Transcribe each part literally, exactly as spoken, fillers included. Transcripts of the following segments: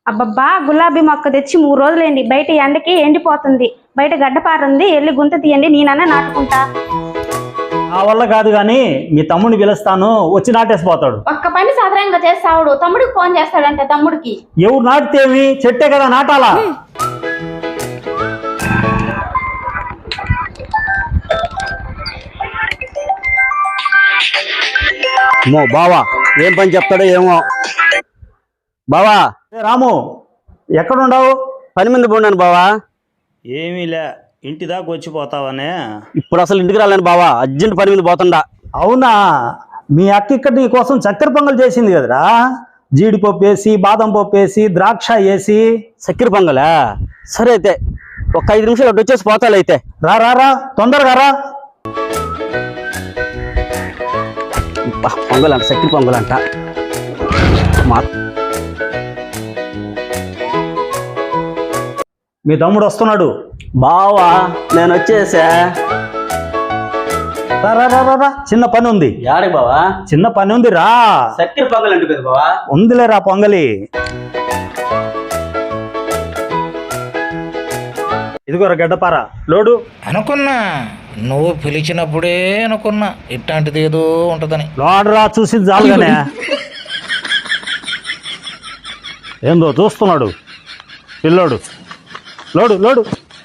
అబ్బబ్బా గులాబీ మొక్క తెచ్చి మూడు రోజులైంది. బయట ఎండకి ఎండిపోతుంది. బయట గడ్డపారుంది, వెళ్ళి గుంత తీయండి, నేనన్నా నాటుకుంటా. ఆ వల్ల కాదు గాని మీ తమ్ముడిని పిలుస్తాను, వచ్చి నాటేసిపోతాడు. ఒక్క పని సాధారణంగా చేస్తాడు, తమ్ముడికి ఫోన్ చేస్తాడంటే తమ్ముడికి. ఎవరు నాటితేమి, చెట్టే కదా నాటాలా. మో బావా ఏం పని చెప్తాడో ఏమో. బావా రాము ఎక్కడుండవు? పని మీద పోన్నాను బావా. ఏమీలే, ఇంటి దాకా వచ్చిపోతావనే. ఇప్పుడు అసలు ఇంటికి రాలేను బావా, అర్జెంట్ పని మీద పోతుండా. అవునా, మీ అక్క ఇక్కడ నీ కోసం చక్కెర పొంగల్ చేసింది కదరా. జీడిపప్పు వేసి, బాదం పప్పు వేసి, ద్రాక్ష వేసి. చక్కెర పొంగలా? సరే అయితే ఒక ఐదు నిమిషాలు అటు వచ్చేసి పోతాలు. అయితే రా రా రా తొందరగా రా. పొంగల్ అంట, చక్కెర పొంగల్ అంట. మీ తమ్ముడు వస్తున్నాడు. బావా నేను వచ్చేసా. రా రా రా రా రా, చిన్న పని ఉంది. యాడికి బావా? చిన్న పని ఉంది రా. చక్కెర పొంగల్ అంటే కదా బావా? ఉందిలే రా పొంగలి. ఇదిగోరా గడ్డపార లోడు. అనుకున్నా నువ్వు పిలిచినప్పుడే అనుకున్నా ఇట్లాంటిది ఏదో ఉంటదని. లోడు రా, చూసి జాలుగానే. ఏందో చూస్తున్నాడు పిల్లోడు. లోడు లోడు.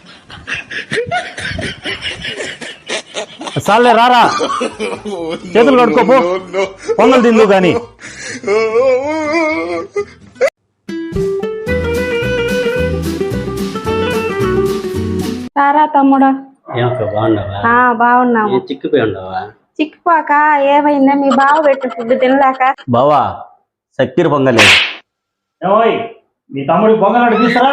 చాలే రారా, చేతులు కడుక్కోపో, పొంగల్ తిందు గాని. సారా తమ్ముడు. బాగుండవా? బాగున్నాము. చిక్కిపోయి ఉండవా? చిక్కుపాక ఏమైందా? మీ బావ పెట్టు ఫుడ్ తినలేక. బావా చక్కెర పొంగలే. ఏమోయ్, మీ తమ్ముడి పొంగల్ తీసురా.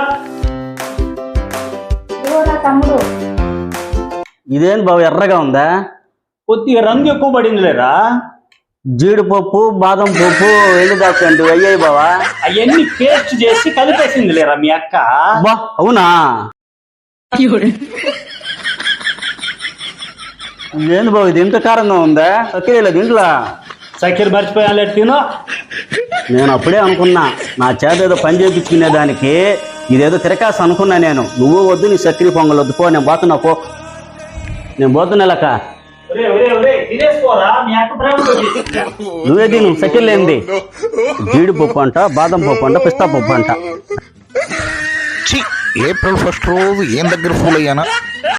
తమ్ముడు ఇదేంటి బావ ఎర్రగా ఉందా? కొద్దిగా రంగు ఎక్కువ పడింది లేరా. జీడిపప్పు, బాదం పప్పు, ఎండు ద్రాక్ష అంటే అయ్యాయి బావా. అవన్నీ పేస్ట్ చేసి కలిపేసింది లేరా మీ అక్క. బా అవునా? ఏంది బావ ఇది ఇంత కారంగా ఉందా? చక్కెర దీంట్లో చక్కెర మర్చిపోయాను తిను. నేను అప్పుడే అనుకున్నా నా చేత ఏదో పని చేయించుకునే దానికి ఇదేదో తిరకాసు అనుకున్నా నేను. నువ్వు వద్దు, నీ చక్కెర పొంగల్ వద్దు, పో నేను పోతున్నా పో. నేను పోతున్నా లెక్క. నువ్వే తిను, చక్కెర లేనిది. జీడిపప్పు అంట, బాదం పప్పు అంట, పిస్తా పప్పు అంట. ఏప్రిల్ ఫస్ట్ రోజు ఏం దగ్గర ఫూల్ అయ్యానా.